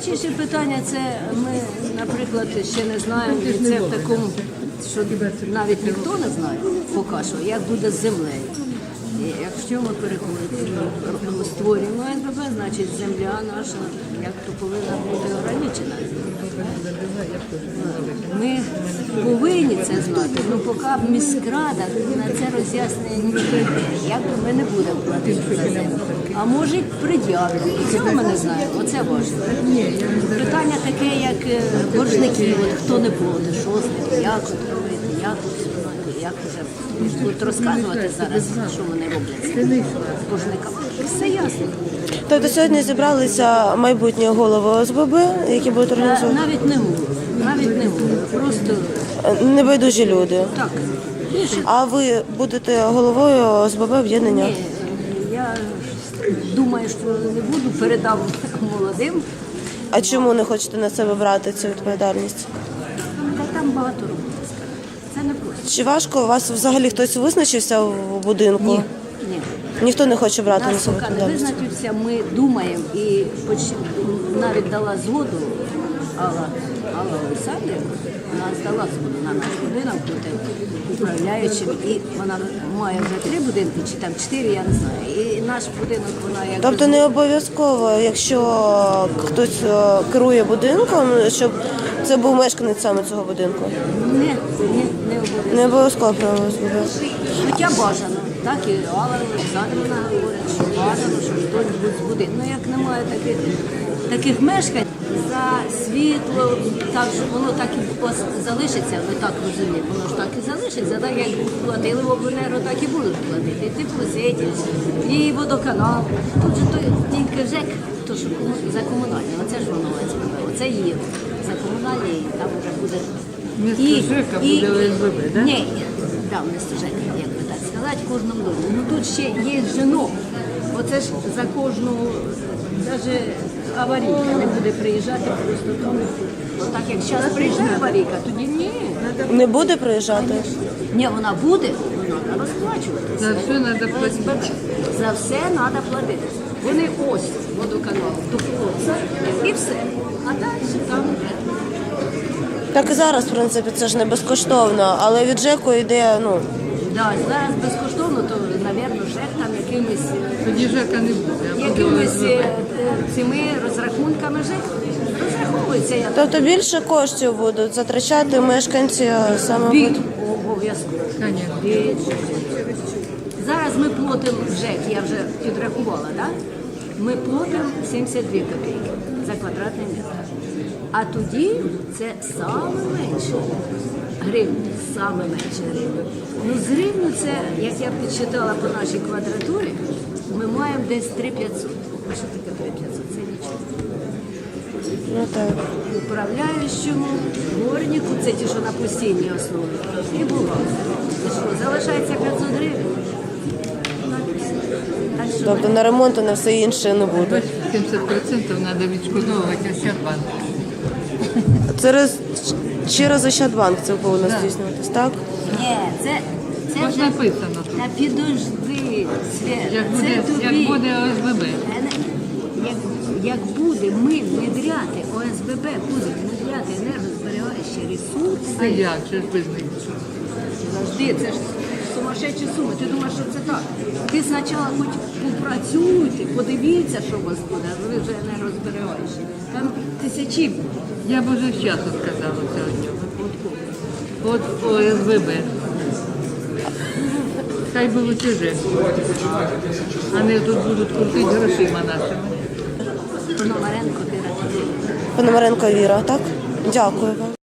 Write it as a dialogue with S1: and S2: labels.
S1: Найважливіше питання це ми, наприклад, ще не знаємо, і це в такому, що навіть ніхто не знає поки що, як буде з землею. І якщо ми переходимо, створюємо СББ, значить земля наша як то повинна бути ограничена. Ми повинні це знати, але поки міськрада на це роз'яснення не прийде, як ми не будемо платити за землю. А може пред'явити. І цього ми не знаємо, оце важливо. Питання таке, як боржники, от хто не платить, що з ним, як от робити, як вже будуть розказувати зараз, що вони роблять з боржниками. Все ясно.
S2: Тобто сьогодні зібралися майбутні голови ОСББ, які будуть організовувати?
S1: Навіть не було. Просто
S2: небайдужі люди.
S1: так.
S2: А ви будете головою ОСББ об'єднання?
S1: Ні, я думаю, що не буду, передам молодим.
S2: А чому не хочете на себе брати цю відповідальність?
S1: Та там багато роботи, скажімо. Це не просто.
S2: Чи важко у вас взагалі хтось визначився в будинку?
S1: Ні.
S2: Ніхто не хоче брати на
S1: Нас
S2: себе
S1: поки не
S2: відповідальність?
S1: визначився, ми думаємо і навіть дала згоду Алла Олександрівна, вона дала згоду на наш будинок бути управляючим, і вона має вже 3 будинки, чи там 4, я не знаю. І наш будинок вона як...
S2: Тобто не обов'язково, якщо хтось керує будинком, щоб це був мешканець саме цього будинку?
S1: Не обов'язково.
S2: Не обов'язково про ОСББ.
S1: Хоча бажано, так і Алла Олександрівна говорить, що бажано, що хтось буде з будинку. Ну як немає таких мешкань, за світло, так що воно так і залишиться, ви так розумієте, воно ж так і залишиться, так як платили в обленерго, так і будуть платити. І теплосеті, і водоканал. Тут же тільки ЖЕК, то що за комунальне, оце ж воно ОСББ, оце є за комунальне, і там вже буде...
S3: Місто ЖЕКа буде ОСББ, так?
S1: Ні, так, місто ЖЕКа, як би так сказати, в кожному домі. Ну тут ще є жінок, оце ж за кожну, навіть аварійка не буде приїжджати просто тому. Отак як зараз приїжджає аварійка, тоді ні.
S2: Не буде приїжджати?
S1: Ні, вона буде, вона треба розплачувати.
S3: За все треба платити.
S1: За все треба платити. Вони ось водоканал доплоться і все. А далі там
S2: Так і зараз, в принципі, це ж не безкоштовно, але від ЖЕКу йде,
S1: да, зараз безкоштовно, то, мабуть, ЖЕК там якимись
S3: Тоді ЖЕКа не буде, а буде
S1: якимись
S3: ОСББ.
S1: цими розрахунками ЖЕК розраховується. Я
S2: Тобто більше коштів будуть затрачати мешканці саме
S1: від обов'язково.
S3: Конечно.
S1: Зараз ми платимо ЖЕК, я вже підрахувала, так? Ми платимо 72 копійки за квадратний метр. А тоді це саме менше гривень, саме менше гривень. Ну, з гривню це, як я підсчитала по нашій квадратурі, ми маємо десь 3500. А що таке 3500? Це нічого.
S2: Так.
S1: Управляючому, дворнику, це ті, що на постійній основі, і бухгалтеру. І що, залишається 500 гривень? Так що
S2: Тобто на ремонт і на все інше не буде.
S3: 70% треба відшкодовувати Ощадбанк.
S2: Через Ощадбанк це повинно здійснюватись, так?
S1: Ні, це
S3: Ось
S1: вже...
S3: написано тут.
S1: Та підожди, Свят,
S3: Як
S1: це тобі.
S3: буде ОСББ.
S1: Як буде ми внедряти, ОСББ буде внедряти енергозберігаючі
S3: А
S1: ресурси,
S3: як же ж без них?
S1: завжди, це ж сумасшедші суми. Ти думаєш, що це так? Ти спочатку хоч попрацюйте, подивіться, що у вас буде, а ви вже енергозберігаючі. Там тисячі.
S3: Я б уже з часу сказала сьогодні. От ОСББ. Хай би лучше ЖЕК. Вони тут будуть крутити грошима нашими.
S1: Пономаренко, ти
S2: Пономаренко Віра, так? Дякую вам.